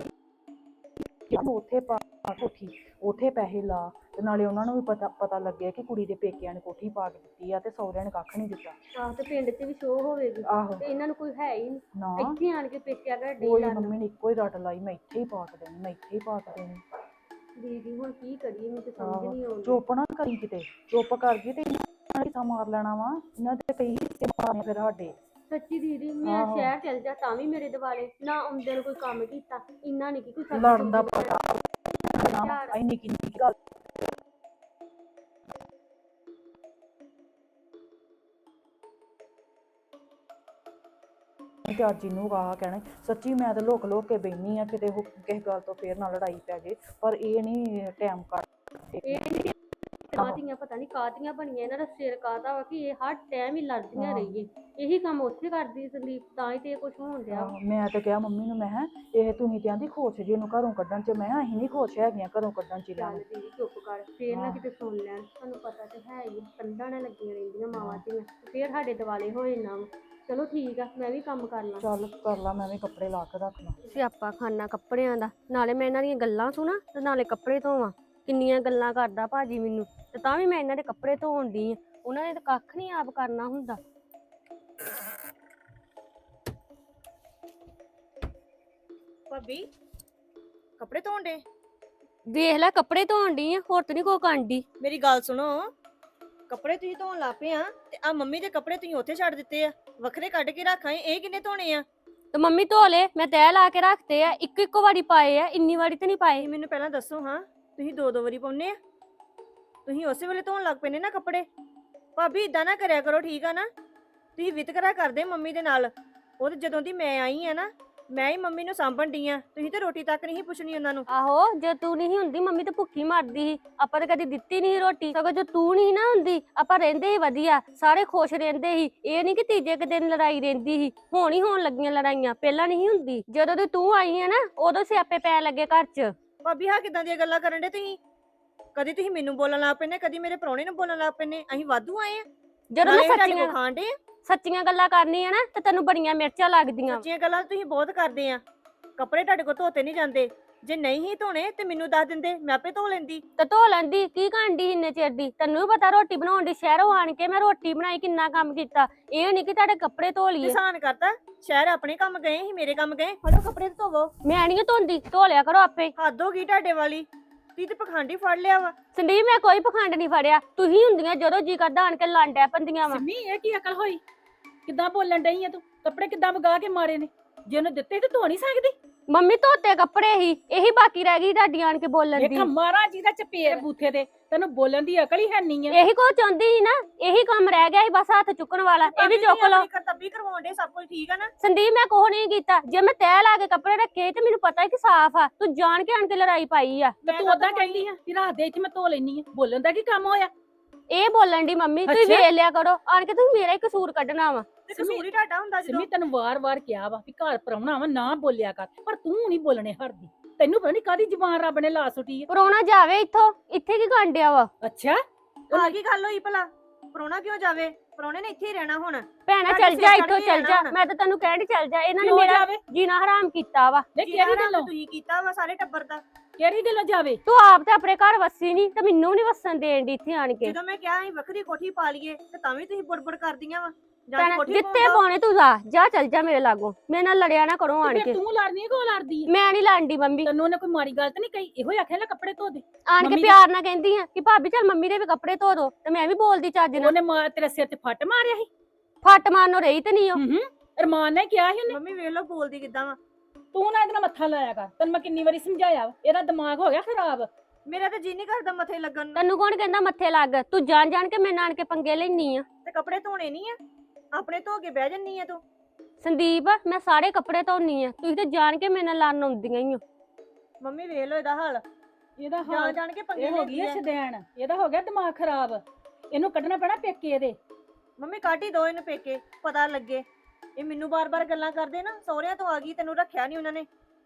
ਕਿ ਤੂੰ ਉੱਥੇ ਪਾ ਕੋਠੀ, ਉੱਥੇ ਪੈਸੇ ਲਾ, ਤੇ ਨਾਲੇ ਉਹਨਾਂ ਨੂੰ ਵੀ ਪਤਾ ਪਤਾ ਲੱਗਿਆ ਕਿ ਕੁੜੀ ਦੇ ਪੇਕਿਆਂ ਨੇ ਕੋਠੀ ਪਾ ਕੇ ਦਿੱਤੀ ਆ ਤੇ ਸਹੁਰਿਆਂ ਨੇ ਕੱਖ ਨਹੀਂ ਦਿੱਤਾ।
ਆਹ ਤੇ ਪਿੰਡ 'ਚ ਵੀ ਸ਼ੋਅ ਹੋਵੇਗੀ
ਆਹੋ
ਤੇ ਇਹਨਾਂ ਨੂੰ ਕੋਈ ਹੈ ਹੀ ਨਹੀਂ,
ਨਾ
ਇੱਥੇ ਆਣ ਕੇ ਪੇਕਿਆ ਘਰ ਡੇ
ਕੋਈ
ਲੜਨ।
ਮੰਮੀ ਨੇ ਇੱਕੋ ਹੀ ਰੱਟ ਲਾਈ, ਮੈਂ ਇੱਥੇ ਹੀ ਪਾ ਕੇ ਦੇਣੀ, ਮੈਂ ਇੱਥੇ ਹੀ ਪਾ ਕੇ ਦੇਣੀ।
ਦੀਦੀ ਹੁਣ ਕੀ ਕਰੀਏ, ਮੈਨੂੰ ਤਾਂ ਸਮਝ
ਆਹੋ।
ਨਹੀਂ ਆਉਂਦੀ।
ਚੁੱਪ ਨਾ ਕਰੀ ਕਿਤੇ, ਚੁੱਪ ਕਰ ਗਈ ਤੇ ਇਹਨਾਂ ਨੇ ਹਿੱਸਾ ਮਾਰ ਲੈਣਾ ਵਾ, ਇਹਨਾਂ ਦੇ ਕਈ ਹਿੱਸੇ ਮਾਰਨੇ ਫਿਰ ਸਾਡੇ।
ਸੱਚੀ ਦੀਦੀ ਮੈਂ
ਆਹੋ।
ਸ਼ਹਿਰ ਚਲ ਜਾ ਤਾਂ ਵੀ ਮੇਰੇ ਦਿਵਾਲੇ ਨਾ ਆਉਂਦੇ ਨੂੰ ਕੋਈ ਕੰਮ ਕੀਤਾ, ਇੰਨਾ ਨਹੀਂ ਕਿ ਕੋਈ ਸਬਜ਼ੀ
ਲੜਨ ਦਾ
ਸੁਬਜ਼ੀ
ਪਤਾ
ਝਾੜ।
ਇੰਨੀ ਕਿੰਨੀ ਗੱਲ। ਤੇ ਅੱਜ ਇਹਨੂੰ ਆਹ ਕਹਿਣਾ ਸੱਚੀ ਮੈਂ ਤਾਂ ਲੁਕ ਲੁਕ ਕੇ ਬੈਣੀ ਆ ਕਿਤੇ ਉਹ ਕਿਸੇ ਗੱਲ ਤੋਂ ਫੇਰ ਨਾ ਲੜਾਈ ਪੈ ਜੇ, ਪਰ ਇਹ ਨਹੀਂ ਟਾਈਮ ਕੱਢ।
ਇਹ ਨਹੀਂ ਕਾਹਦੀਆਂ ਪਤਾ ਨਹੀਂ ਕਾਹਦੀਆਂ ਬਣੀਆਂ, ਇਹਨਾਂ ਦਾ ਸਿਰ ਕਾਹਦਾ ਵਾ ਕਿ ਇਹ ਹਰ ਟਾਈਮ ਹੀ ਲੜਦੀਆਂ
ਹਾਂ।
ਰਹੀਏ। ਇਹੀ ਕੰਮ ਉੱਥੇ ਕਰਦੀ ਸੰਦੀਪ, ਤਾਂ ਹੀ ਤੇ ਇਹ ਕੁਝ ਹੋਣ ਡਿਆ ਵਾ।
ਆਹੋ, ਮੈਂ ਤਾਂ ਕਿਹਾ ਮੰਮੀ ਨੂੰ, ਮੈਂ ਕਿਹਾ ਇਹ ਤੁਸੀਂ ਤੇ ਆਂਦੀ ਖੁਸ਼ ਜੀ ਇਹਨੂੰ ਘਰੋਂ ਕੱਢਣ ਚ, ਮੈਂ ਕਿਹਾ ਅਸੀਂ ਨਹੀਂ ਖੁਸ਼ ਹੈਗੀਆਂ ਘਰੋਂ ਕੱਢਣ ਚ ਇਹਨਾਂ
ਚੱਲ
ਨੂੰ।
ਦੀਦੀ ਚੁੱਪ ਕਰ, ਫੇਰ ਨਾ
ਹਾਂ।
ਕਿਤੇ ਸੁਣ ਲੈਣ, ਤੁਹਾਨੂੰ ਪਤਾ ਤੇ ਹੈ ਹੀ ਆ, ਕੰਧਾਂ ਨਾਲ ਲੱਗੀਆਂ ਰਹਿੰਦੀਆਂ ਮਾਵਾਂ ਧੀਆਂ, ਫੇਰ ਸਾਡੇ ਦਿਵਾਲੇ ਹੋਏ ਨਾ। ਚਲੋ ਠੀਕ ਆ, ਮੈਂ ਵੀ ਕੰਮ ਕਰ ਲਾਂ।
ਚੱਲ ਕਰ ਲਾ, ਮੈਂ ਵੀ ਕੱਪੜੇ ਲਾ ਕੇ ਰੱਖ ਲਾਂ।
ਸਿਆਪਾ ਖਾਨਾ ਕੱਪੜਿਆਂ ਦਾ, ਨਾਲੇ ਮੈਂ ਇਹਨਾਂ ਦੀਆਂ ਗੱਲਾਂ ਸੁਣਾ ਤੇ ਨਾਲੇ ਕੱਪੜੇ ਧੋਵਾਂ। ਕਿੰਨੀਆਂ ਗੱਲਾਂ ਕਰਦਾ ਭਾਜੀ ਮੈਨੂੰ, ਤੇ ਤਾਂ ਵੀ ਮੈਂ ਇਹਨਾਂ ਦੇ ਕੱਪੜੇ ਧੋਣ ਦੀ ਆ, ਉਹਨਾਂ ਨੇ ਤਾਂ ਕੱਖ ਨਹੀਂ ਆਪ ਕਰਨਾ ਹੁੰਦਾ।
ਭਾਬੀ ਕੱਪੜੇ ਧੋਣ ਦੇ?
ਦੇਖ ਲੈ ਕੱਪੜੇ ਧੋਣ ਦੀ ਆ, ਹੋਰ ਤਾਂ ਨਹੀਂ ਕੋ ਕਾਂਡੀ।
ਮੇਰੀ ਗੱਲ ਸੁਣੋ, ਕੱਪੜੇ ਤੁਸੀਂ ਧੋਣ ਲੱਗ ਪਏ ਆ ਤੇ ਆ ਮੰਮੀ ਦੇ ਕੱਪੜੇ ਤੁਸੀਂ ਉੱਥੇ ਛੱਡ ਦਿੱਤੇ ਆ, ਵੱਖਰੇ ਕੱਢ ਕੇ ਰੱਖ ਆਏ, ਇਹ ਕਿੰਨੇ ਧੋਣੇ ਆ?
ਤੇ ਮੰਮੀ ਧੋ ਲੇ, ਮੈਂ ਤੈਅ ਲਾ ਕੇ ਰੱਖਤੇ ਆ, ਇੱਕ ਇੱਕੋ ਵਾਰੀ ਪਾਏ ਆ, ਇੰਨੀ ਵਾਰੀ ਤੇ ਨਹੀਂ ਪਾਏ।
ਤੁਸੀਂ ਮੈਨੂੰ ਪਹਿਲਾਂ ਦੱਸੋ ਹਾਂ, ਤੁਸੀਂ ਦੋ ਦੋ ਵਾਰੀ ਪਾਉਨੇ ਆ? ਤੁਸੀਂ ਉਸੇ ਵੇਲੇ ਧੋਣ ਲੱਗ ਪਏ ਨੇ ਨਾ ਕੱਪੜੇ। ਭਾਬੀ ਇਦਾਂ ਨਾ ਕਰਿਆ ਕਰੋ, ਠੀਕ ਆ ਨਾ? ਤੁਸੀਂ ਵਿਤਕਰਾ ਕਰਦੇ ਮੰਮੀ ਦੇ ਨਾਲ। ਉਹ ਤੇ ਜਦੋਂ ਦੀ ਮੈਂ ਆਈ ਆ ਨਾ, ਮੈਂ ਹੀ ਮੰਮੀ ਨੂੰ ਸਾਂਭਣ ਡਈ ਆ, ਤੁਸੀਂ ਤੇ ਰੋਟੀ ਤੱਕ ਨਹੀਂ ਪੁੱਛਣੀ ਉਹਨਾਂ ਨੂੰ।
ਆਹੋ ਜੇ ਤੂੰ ਨਹੀਂ ਹੁੰਦੀ ਮੰਮੀ ਤਾਂ ਭੁੱਖੀ ਮਰਦੀ ਸੀ, ਆਪਾਂ ਤਾਂ ਕਦੀ ਦਿੱਤੀ ਨਹੀਂ ਰੋਟੀ। ਸਗੋਂ ਜੇ ਤੂੰ ਨਹੀਂ ਨਾ ਹੁੰਦੀ ਆਪਾਂ ਰਹਿੰਦੇ ਹੀ ਵਧੀਆ, ਸਾਰੇ ਖੁਸ਼ ਰਹਿੰਦੇ ਸੀ। ਇਹ ਨਹੀਂ ਕਿ ਤੀਜੇ ਕੁ ਦਿਨ ਲੜਾਈ ਰਹਿੰਦੀ ਸੀ, ਹੁਣ ਹੀ ਹੋਣ ਲੱਗੀਆਂ ਲੜਾਈਆਂ, ਪਹਿਲਾਂ ਨਹੀਂ ਹੁੰਦੀ। ਜਦੋਂ ਦੀ ਤੂੰ ਆਈ ਆ ਨਾ ਉਦੋਂ ਸਿਆਪੇ ਪੈ ਲੱਗੇ ਘਰ 'ਚ।
ਭਾਬੀ ਹਾਂ ਕਿਦਾਂ ਦੀਆਂ ਗੱਲਾਂ ਕਰਨ ਡੇ ਤੁਸੀਂ? ਕਦੀ ਤੁਸੀਂ ਮੈਨੂੰ ਬੋਲਣ ਲੱਗ ਪੈਨੇ, ਕਦੀ ਮੇਰੇ ਪ੍ਰਾਹੁਣੇ ਨੂੰ ਬੋਲਣ ਲੱਗ ਪੈਨੇ। ਅਸੀਂ ਵਾਧੂ ਆਏ ਆ,
ਜਦੋਂ ਮੈਂ
ਸੱਚੀਆਂ
ਸੱਚੀਆਂ
ਖਾਣ ਡੇ ਆ।
ਸੱਚੀਆਂ ਗੱਲਾਂ ਕਰਨੀ ਆ ਨਾ ਤੇ ਤੈਨੂੰ ਬੜੀਆਂ ਮਿਰਚਾਂ ਲੱਗਦੀਆਂ।
ਸੱਚੀਆਂ ਗੱਲਾਂ ਤੁਸੀਂ ਬਹੁਤ ਕਰਦੇ ਆ। ਕੱਪੜੇ ਤੁਹਾਡੇ ਕੋਲ ਧੋਤੇ ਨਹੀਂ ਜਾਂਦੇ, ਜੇ ਨਹੀਂ ਹੀ ਧੋਣੇ ਤੇ ਮੈਨੂੰ ਦੱਸ ਦਿੰਦੇ, ਮੈਂ ਆਪੇ ਧੋ ਲੈਂਦੀ।
ਤੇ ਧੋ ਲੈਂਦੀ, ਕੀ ਕਾਂਡੀ ਇੰਨੇ ਚਿਰ ਦੀ? ਤੈਨੂੰ ਵੀ ਪਤਾ ਰੋਟੀ ਬਣਾਉਣ ਦੀ, ਸ਼ਹਿਰੋਂ ਆਣ ਕੇ ਮੈਂ ਰੋਟੀ ਬਣਾਈ, ਕਿੰਨਾ ਕੰਮ ਕੀਤਾ। ਇਹ ਨਹੀਂ ਕਿ ਤੁਹਾਡੇ ਕੱਪੜੇ ਧੋ ਲਈਏ।
ਕਿਸਾਨ ਕਰਤਾ, ਸ਼ਹਿਰ ਆਪਣੇ ਕੰਮ ਗਏ ਸੀ, ਮੇਰੇ ਕੰਮ ਗਏ, ਫੜੋ ਕੱਪੜੇ ਤੇ ਧੋਵੋ।
ਮੈਂ ਨਹੀਂ ਧੋਂਦੀ, ਧੋ ਲਿਆ ਕਰੋ ਆਪੇ।
ਹੱਦ ਹੋ ਗਈ ਤੁਹਾਡੇ ਵਾਲੀ, ਤੁਸੀਂ ਤੇ ਪਖੰਡੀ ਫੜ ਲਿਆ ਵਾ।
ਸੰਦੀਪ ਮੈਂ ਕੋਈ ਪਖੰਡ ਨਹੀਂ ਫੜਿਆ, ਤੁਸੀਂ ਹੁੰਦੀਆਂ ਜਦੋਂ ਜੀ ਕਰਦਾ ਆਣ ਕੇ ਲਾਂਡਿਆ ਪੰਦੀਆਂ ਵਾ।
ਸਿੰਮੀ ਇਹ ਕੀ ਅਕਲ ਹੋਈ? ਕਿੱਦਾਂ ਬੋਲਣ ਡਈ ਆ ਤੂੰ? ਕੱਪੜੇ ਕਿੱਦਾਂ ਵਗਾ ਕੇ ਮਾਰੇ ਨੇ? ਜੇ ਉਹਨੇ ਦਿੱਤੇ ਤੇ ਧੋ ਨਹੀਂ ਸਕਦੀ?
ਮੰਮੀ ਧੋਤੇ ਕੱਪੜੇ ਹੀ, ਇਹੀ ਬਾਕੀ ਰਹਿ ਗਈ ਤੁਹਾਡੀ ਆਣ ਕੇ ਬੋਲਣ
ਇੱਕ
ਦੀ।
ਮਾਰਾ ਜਿਹਦਾ ਚਪੇੜ ਬੂਥੇ ਤੇ, ਤੈਨੂੰ ਬੋਲਣ ਦੀ ਅਕਲ ਹੀ ਹੈ ਨਹੀਂ ਆ।
ਇਹੀ ਕੋ ਚਾਹੁੰਦੀ ਸੀ ਨਾ, ਇਹੀ ਕੰਮ ਰਹਿ ਗਿਆ ਸੀ ਬਸ ਹੱਥ ਚੁੱਕਣ ਵਾਲਾ, ਇਹ ਵੀ ਚੁੱਕ ਲਓ।
ਕਰਤੱਬੀ ਕਰਵਾਉਣ ਦੇ, ਸਭ ਕੁਝ ਠੀਕ ਆ ਨਾ?
ਸੰਦੀਪ ਮੈਂ ਕੋਹ ਨਹੀਂ ਕੀਤਾ, ਜੇ ਮੈਂ ਤੈਅ ਲਾ ਕੇ ਕੱਪੜੇ ਰੱਖੇ ਤੇ ਮੈਨੂੰ ਪਤਾ ਹੈ ਕਿ ਸਾਫ਼ ਆ, ਤੂੰ ਜਾਣ ਕੇ ਆਣ ਕੇ ਲੜਾਈ ਪਾਈ ਆ।
ਤੇ ਤੂੰ ਉਦਾਂ ਕਹਿੰਦੀ ਆ ਕਿ ਰਾਤ ਦੇ ਇੱਥੇ ਮੈਂ ਧੋ ਲੈਣੀ ਆ, ਬੋਲਣ ਦਾ ਕੀ ਕੰਮ ਹੋਇਆ?
ਇਹ ਬੋਲਣ ਦੀ ਮੰਮੀ, ਤੁਸੀਂ
ਅੱਛਾ।
ਵੇਖ ਲਿਆ ਕਰੋ ਆਣ ਕੇ, ਤੁਸੀਂ ਮੇਰਾ ਹੀ ਕਸੂਰ ਕੱਢਣਾ ਵਾ।
ਤੇ ਕਸੂਰ ਹੀ ਤੁਹਾਡਾ ਹੁੰਦਾ ਜਦੋਂ।
ਸਿੰਮੀ ਤੈਨੂੰ ਵਾਰ-ਵਾਰ ਕਿਹਾ ਵਾ ਕਿ ਘਰ ਪਰਾਉਣਾ ਵਾ, ਨਾ ਬੋਲਿਆ ਕਰ, ਪਰ ਤੂੰ ਨਹੀਂ ਬੋਲਣੇ ਹਰਦੀ। ਤੈਨੂੰ ਪਤਾ ਨਹੀਂ ਕਾਦੀ ਜ਼ੁਬਾਨ ਰੱਬ ਨੇ ਲਾ ਸੁੱਟੀ ਆ।
ਪਰੋਣਾ ਜਾਵੇ ਇੱਥੋਂ, ਇੱਥੇ ਕੀ ਕਾਂਡਿਆ ਵਾ?
ਅੱਛਾ
ਆ ਕੀ ਗੱਲ ਹੋਈ ਭਲਾ? ਪ੍ਰਾਹੁਣਾ ਕਿਉਂ ਜਾਵੇ? ਪ੍ਰਾਹੁਣੇ ਨੇ ਇੱਥੇ ਹੀ ਰਹਿਣਾ ਹੁਣ।
ਭੈਣਾ
ਸਾਡੇ
ਚੱਲ
ਸਿਰ
ਜਾ
ਚੜ੍ਹ
ਇੱਥੋਂ,
ਕੇ
ਚੱਲ ਜਾ,
ਰਹਿਣਾ ਹੁਣ।
ਮੈਂ ਤਾਂ ਤੈਨੂੰ ਕਹਿਣ ਡਈ ਚੱਲ ਜਾ। ਇਹਨਾਂ ਨੇ
ਕਿਉਂ
ਮੇਰਾ
ਜਾਵੇ?
ਜੀਣਾ ਹਰਾਮ ਕੀਤਾ ਵਾ।
ਨੇ
ਜਿਹੜਾ
ਕਿਹੜੀ
ਕੰਮ
ਗੱਲੋਂ?
ਤੁਸੀਂ ਕੀਤਾ ਵਾ ਸਾਰੇ ਟੱਬਰ ਦਾ।
ਕਿਹੜੀ ਗੱਲੋਂ ਜਾਵੇ?
ਤੂੰ ਆਪ ਤੇ ਆਪਣੇ ਘਰ ਵਸੀ ਨਹੀਂ ਤੇ ਮੈਨੂੰ ਨਹੀਂ ਵਸਣ ਦੇਣ ਦੀ ਇੱਥੇ ਆਣ ਕੇ।
ਜਦੋਂ ਮੈਂ ਕਿਹਾ ਅਸੀਂ ਵੱਖਰੀ ਕੋਠੀ ਪਾ ਲਈਏ ਤੇ ਤਾਂ ਵੀ ਤੁਸੀਂ ਬੁੜਬੁੜ ਕਰਦੀਆਂ ਵਾ। ਜਾਂ
ਭੈਣਾ
ਕੋਠੀ
ਜਿੱਤੇ
ਪਾਉਂਦਾ।
ਪਾਉਣੇ ਤੂੰ ਜਾ, ਜਾ ਚੱਲ ਜਾ ਮੇਰੇ ਲਾਗੋਂ, ਮੇਰੇ ਨਾਲ ਲੜਿਆ ਨਾ ਕਰੋ ਆਣ
ਤੇ
ਕੇ।
ਫਿਰ ਤੂੰ ਲੜਨੀ ਹੈ, ਕੋ ਲੜਦੀ ਹੈ?
ਮੈਂ ਨਹੀਂ ਲੜਦੀ ਮੰਮੀ,
ਤੈਨੂੰ ਉਹਨੇ ਕੋਈ ਮਾੜੀ ਗੱਲ ਤਾਂ ਨਹੀਂ ਕਹੀ? ਇਹੋ ਹੀ ਆਖਿਆ ਲੈ ਕੱਪੜੇ ਧੋ ਦੇ।
ਆਣ ਕੇ
ਮੰਮੀ
ਪਿਆਰ ਨਾਲ ਕਹਿੰਦੀ ਆ ਕਿ ਭਾਬੀ ਚੱਲ ਮੰਮੀ ਦੇ ਵੀ ਕੱਪੜੇ ਧੋ ਦੋ, ਤੇ ਮੈਂ ਵੀ ਬੋਲਦੀ ਚੱਜ ਨਾਲ।
ਉਹਨੇ ਮਾਰ ਤੇਰੇ ਸਿਰ ਤੇ ਫੱਟ ਮਾਰਿਆ ਸੀ।
ਫੱਟ ਮਾਰਨੋਂ ਰਹੀ ਤੇ ਨਹੀਂ ਉਹ।
ਹੂੰ ਹੂੰ ਅਰਮਾਨ ਨੇ ਕਿਹਾ ਸੀ ਉਹਨੇ।
ਮੰਮੀ ਵੇਖ ਲਓ ਬੋਲਦੀ ਕਿੱਦਾਂ ਵਾ।
ਤੂੰ ਨਾ ਇਹਦੇ ਨਾਲ ਮੱਥਾ ਲਾਇਆ ਕਰ, ਤੈਨੂੰ ਮੈਂ ਕਿੰਨੀ ਵਾਰੀ ਸਮਝਾਇਆ ਵਾ, ਇਹਦਾ ਦਿਮਾਗ ਹੋ ਗਿਆ ਖਰਾਬ।
ਮੇਰਾ ਤਾਂ ਜੀ ਨਹੀਂ ਕਰਦਾ ਮੱਥੇ ਲੱਗਣ ਨੂੰ।
ਤੈਨੂੰ ਕੌਣ ਕਹਿੰਦਾ ਮੱਥੇ ਲੱਗ? ਤੂੰ ਜਾਣ ਜਾਣ ਕੇ ਮੇਰੇ ਨਾਲ ਆਣ ਕੇ ਪੰਗੇ ਲੈਣੀ ਆ।
ਤੇ ਕੱਪੜੇ ਧੋਣੇ ਨਹੀਂ ਆ? ਆਪਣੇ ਧੋ ਕੇ ਬਹਿ ਜੰਨੀ ਆ ਤੂੰ।
ਸੰਦੀਪ ਮੈਂ ਸਾਰੇ ਕੱਪੜੇ ਧੋਨੀ ਆ, ਤੁਸੀਂ ਤੇ ਜਾਣ ਕੇ ਮੇਰੇ ਨਾਲ ਲੜਨ ਆਉਂਦੀਆਂ ਹੀ ਹੋ।
ਮੰਮੀ ਵੇਖ ਲਓ ਇਹਦਾ ਹਾਲ,
ਇਹਦਾ
ਜਾਣ
ਹਾਲ
ਜਾਣ ਕੇ ਪੰਗੇ
ਇਹ ਹੋ
ਲੈਂਦੀ
ਗਈ ਹੈ
ਆ।
ਸ਼ਦੈਣ, ਇਹਦਾ ਹੋ ਗਿਆ ਦਿਮਾਗ ਖਰਾਬ। ਇਹਨੂੰ ਕੱਢਣਾ ਪੈਣਾ ਪੇਕੇ ਇਹਦੇ।
ਮੰਮੀ ਕੱਢ ਹੀ ਦੋ ਇਹਨੂੰ ਪੇਕੇ, ਪਤਾ ਲੱਗੇ। ਇਹ ਮੈਨੂੰ ਬਾਰ-ਬਾਰ ਗੱਲਾਂ ਕਰਦੇ ਨਾ, ਸਹੁਰਿਆਂ ਤੋਂ ਆ ਗਈ, ਤੈਨੂੰ ਰੱਖਿਆ ਨਹੀਂ ਉਹਨਾਂ ਨੇ,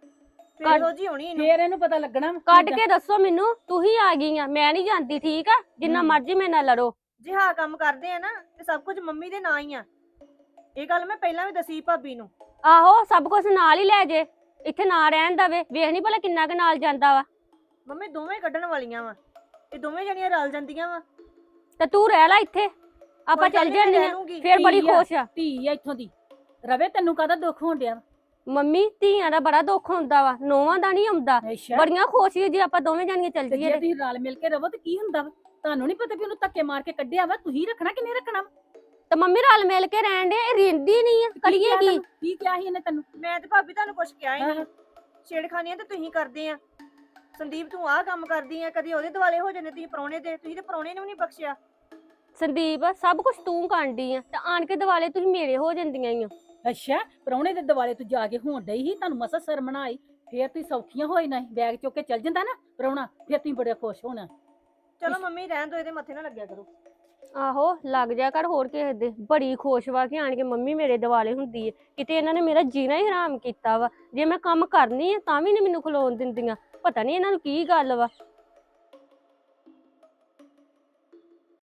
ਫਿਰ
ਕੱਢ-
ਇਹੋ ਜੀ ਹੋਣੀ ਇਹਨੂੰ।
ਫੇਰ ਇਹਨੂੰ ਪਤਾ ਲੱਗਣਾ ਵਾ
ਕੱਢ
ਕਿੱਦਾਂ।
ਕੇ ਦੱਸੋ ਮੈਨੂੰ, ਤੂੰ ਹੀ ਆ ਗਈ ਆ, ਮੈਂ ਨਹੀਂ ਜਾਂਦੀ, ਠੀਕ ਆ? ਜਿੰਨਾ
ਹਮ।
ਮਰਜ਼ੀ ਮੇਰੇ ਨਾਲ ਲੜੋ।
ਜੇ ਹਾਂ ਕੰਮ ਕਰਦੇ ਆ ਨਾ ਤੇ ਸਭ ਕੁਝ ਮੰਮੀ ਦੇ ਨਾਂ ਹੀ ਆ। ਇਹ ਗੱਲ ਮੈਂ ਪਹਿਲਾਂ ਵੀ ਦੱਸੀ ਭਾਬੀ ਨੂੰ।
ਆਹੋ ਸਭ ਕੁਝ ਨਾਲ ਹੀ ਲੈ ਜੇ, ਇੱਥੇ ਨਾ ਰਹਿਣ ਦਵੇ। ਵੇਖ ਨਹੀਂ ਭਲਾ ਕਿੰਨਾ ਕੁ ਨਾਲ ਜਾਂਦਾ ਵਾ।
ਮੰਮੀ ਦੋਵੇਂ ਕੱਢਣ ਵਾਲੀਆਂ ਵਾ, ਇਹ ਦੋਵੇਂ ਜਣੀਆਂ ਰਲ ਜਾਂਦੀਆਂ ਵਾ।
ਤੇ ਤੂੰ ਰਹਿ ਲੈ ਇੱਥੇ, ਆਪਾਂ ਚੱਲ ਜਾਂਦੇ ਆ, ਫੇਰ ਬੜੀ
ਧੀ ਆ।
ਖੁਸ਼ ਆ।
ਧੀ ਆ ਇੱਥੋਂ ਦੀ। ਰਵੇ ਤੈਨੂੰ ਕਾਹਦਾ ਦੁੱਖ ਹੋਣ ਡਿਆ ਵਾ?
ਮੰਮੀ ਧੀਆਂ ਦਾ ਬੜਾ ਦੁੱਖ ਹੁੰਦਾ ਵਾ, ਨੋਵਾਂ ਦਾ ਨਹੀਂ ਆਉਂਦਾ।
ਅੱਛਾ
ਬੜੀਆਂ ਖੁਸ਼ ਸੀ ਜੇ ਆਪਾਂ ਦੋਵੇਂ ਜਾਣੀਆਂ ਚੱਲ
ਤੇ
ਜੀਏ
ਜੇ
ਤੇ।
ਤੁਸੀਂ ਰਲ ਮਿਲ ਕੇ ਰਵੋ ਤੇ ਕੀ ਹੁੰਦਾ ਵਾ? ਤੁਹਾਨੂੰ ਨਹੀਂ ਪਤਾ ਵੀ ਉਹਨੂੰ ਧੱਕੇ ਮਾਰ ਕੇ ਕੱਢਿਆ ਵਾ, ਤੁਸੀਂ ਰੱਖਣਾ ਕਿ ਨਹੀਂ ਰੱਖਣਾ ਵਾ?
ਤੇ ਮੰਮੀ ਰਲ ਮਿਲ ਕੇ ਰਹਿਣ ਦੇ, ਇਹ ਰਹਿੰਦੀ ਨਹੀਂ ਆ, ਕਰੀਏ
ਕਿਹਾ
ਕੀ?
ਤੈਨੂੰ? ਕੀ ਕਿਹਾ ਸੀ ਇਹਨੇ ਤੈਨੂੰ?
ਮੈਂ ਤੇ ਭਾਬੀ ਤੁਹਾਨੂੰ ਕੁਝ ਕਿਹਾ ਹੀ ਨਹੀਂ।
ਆਹ,
ਛੇੜਖਾਨੀਆਂ ਤੇ ਤੁਸੀਂ ਕਰਦੇ ਆ। ਸੰਦੀਪ ਤੂੰ ਆਹ ਕੰਮ ਕਰਦੀ ਆ, ਕਦੀ ਉਹਦੇ ਦੁਆਲੇ ਹੋ ਜਾਂਦੇ ਤੁਸੀਂ ਪ੍ਰਾਹੁਣੇ ਦੇ। ਤੁਸੀਂ ਤੇ ਪ੍ਰਾਹੁਣੇ ਨੂੰ ਵੀ ਨਹੀਂ ਬਖਸ਼ਿਆ।
ਸੰਦੀਪ ਸਭ ਕੁਝ ਤੂੰ ਕਾਂਡੀ ਆ, ਤੇ ਆਣ ਕੇ ਦਿਵਾਲੇ ਤੁਸੀਂ ਮੇਰੇ ਹੋ ਜਾਂਦੀਆਂ ਹੀ ਆ।
ਅੱਛਾ ਪ੍ਰਾਹੁਣੇ ਦੇ ਦਿਵਾਲੇ ਤੂੰ ਜਾ ਕੇ ਹੋਣ ਡਈ ਸੀ, ਤੁਹਾਨੂੰ ਮਸਾ ਸ਼ਰਮ ਨਾ ਆਈ? ਫੇਰ ਤੁਸੀਂ ਸੌਖੀਆਂ ਹੋਈ ਨਾ, ਬੈਗ ਚੁੱਕ ਕੇ ਚੱਲ ਜਾਂਦਾ ਨਾ ਪ੍ਰਾਹੁਣਾ, ਫੇਰ ਤੁਸੀਂ ਬੜੇ ਖੁਸ਼ ਹੋਣਾ।
ਚਲੋ ਮੰਮੀ ਰਹਿਣ ਦੋ, ਇਹਦੇ ਮੱਥੇ ਨਾ ਲੱਗਿਆ ਕਰੋ।
ਆਹੋ ਲੱਗ ਜਾ ਕਰ ਹੋਰ ਕਿਸੇ ਦੇ। ਬੜੀ ਖੁਸ਼ ਵਾ ਕਿ ਆਣ ਕੇ ਮੰਮੀ ਮੇਰੇ ਦਿਵਾਲੇ ਹੁੰਦੀ ਏ। ਕਿਤੇ ਇਹਨਾਂ ਨੇ ਮੇਰਾ ਜੀਣਾ ਹੀ ਹਰਾਮ ਕੀਤਾ ਵਾ। ਜੇ ਮੈਂ ਕੰਮ ਕਰਨੀ ਆ ਤਾਂ ਵੀ ਨਹੀਂ ਮੈਨੂੰ ਖਲੋਣ ਦਿੰਦੀਆਂ। ਪਤਾ ਨਹੀਂ ਇਹਨਾਂ ਨੂੰ ਕੀ ਗੱਲ ਵਾ।